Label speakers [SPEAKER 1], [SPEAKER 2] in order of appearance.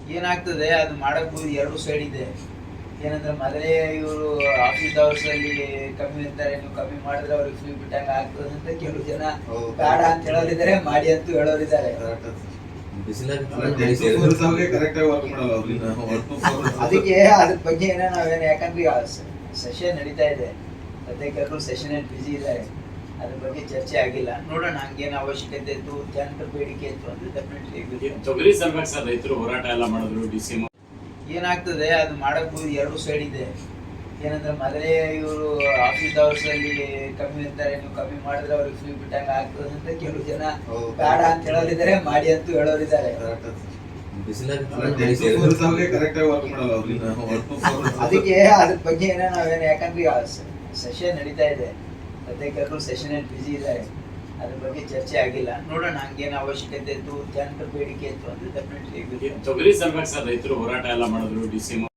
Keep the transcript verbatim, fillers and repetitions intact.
[SPEAKER 1] ಏನಾಗ್ತದೆ ಅದು ಮಾಡಕ್ ಎರಡು ಸೈಡ್ ಇದೆ. ಏನಂದ್ರೆ ಮೊದಲೇ ಇವರು ಆಫೀಸ್ ಅವರ್ಸ್ ಅಲ್ಲಿ ಕಮ್ಮಿ ಇರ್ತಾರೆ, ನೀವು ಕಮ್ಮಿ ಮಾಡಿದ್ರೆ ಅವ್ರಿಗೆ ಫ್ರೀ ಬಿಟ್ಟಂಗ ಆಗ್ತದೆ ಅಂತ ಕೆಲವು ಜನ ಬೇಡ ಅಂತ ಹೇಳೋರಿದ್ದಾರೆ, ಮಾಡಿ ಅಂತೂ ಹೇಳೋರಿದ್ದಾರೆ. ಅದಕ್ಕೆ ಅದ್ರ ಬಗ್ಗೆ ಏನೋ ನಾವೇನು, ಯಾಕಂದ್ರೆ ಸೆಷನ್ ನಡೀತಾ ಇದೆ ಸದ್ಯಕ್ಕೆ, ಎಲ್ಲರೂ ಸೆಷನ್ ಅಲ್ಲಿ ಬಿಸಿ ಇದ್ದಾರೆ, ಅದ್ರ ಬಗ್ಗೆ ಚರ್ಚೆ ಆಗಿಲ್ಲ. ನೋಡೋಣ ಹಂಗೇನು ಅವಶ್ಯಕತೆ ಇತ್ತು, ಜನರ ಬೇಡಿಕೆ ಇತ್ತು ಅಂದ್ರೆ ಡೆಫಿನೆಟ್ಲಿ
[SPEAKER 2] ತೊಗರಿ ಸಲ್ವಾಗಿ ಸರ್ ರೈತರು ಹೋರಾಟ ಎಲ್ಲ ಮಾಡಿದ್ರು. ಡಿ ಸಿ
[SPEAKER 1] ಏನಾಗ್ತದೆ ಅದು ಮಾಡಕ್ ಎರಡು ಸೈಡ್ ಇದೆ. ಏನಂದ್ರೆ ಮೊದಲೇ ಇವರು ಆಫೀಸ್ ಅವರ್ಸ್ ಅಲ್ಲಿ ಕಮ್ಮಿ ಇರ್ತಾರೆ, ನೀವು ಕಮ್ಮಿ ಮಾಡಿದ್ರೆ ಅವ್ರಿಗೆ ಫ್ರೀ ಬಿಟ್ಟಂಗ ಆಗ್ತದೆ ಅಂತ ಕೆಲವು ಜನ ಬೇಡ ಅಂತ ಹೇಳೋರಿದ್ದಾರೆ, ಮಾಡಿ ಅಂತೂ ಹೇಳೋರಿದ್ದಾರೆ. ಅದಕ್ಕೆ ಅದ್ರ ಬಗ್ಗೆ ಏನೋ ನಾವೇನು, ಯಾಕಂದ್ರೆ ಸೆಷನ್ ನಡೀತಾ ಇದೆ ಸದ್ಯಕ್ಕೆ, ಎಲ್ಲರೂ ಸೆಷನ್ ಅಲ್ಲಿ ಬಿಸಿ ಇದ್ದಾರೆ, ಅದ್ರ ಬಗ್ಗೆ ಚರ್ಚೆ ಆಗಿಲ್ಲ. ನೋಡೋಣ ಹಂಗೇನು ಅವಶ್ಯಕತೆ ಇತ್ತು, ಜನರ ಬೇಡಿಕೆ ಇತ್ತು ಅಂದ್ರೆ ಡೆಫಿನೆಟ್ಲಿ
[SPEAKER 2] ತೊಗರಿ ಸಲ್ವಾಗಿ ಸರ್ ರೈತರು ಹೋರಾಟ ಎಲ್ಲ ಮಾಡಿದ್ರು. D C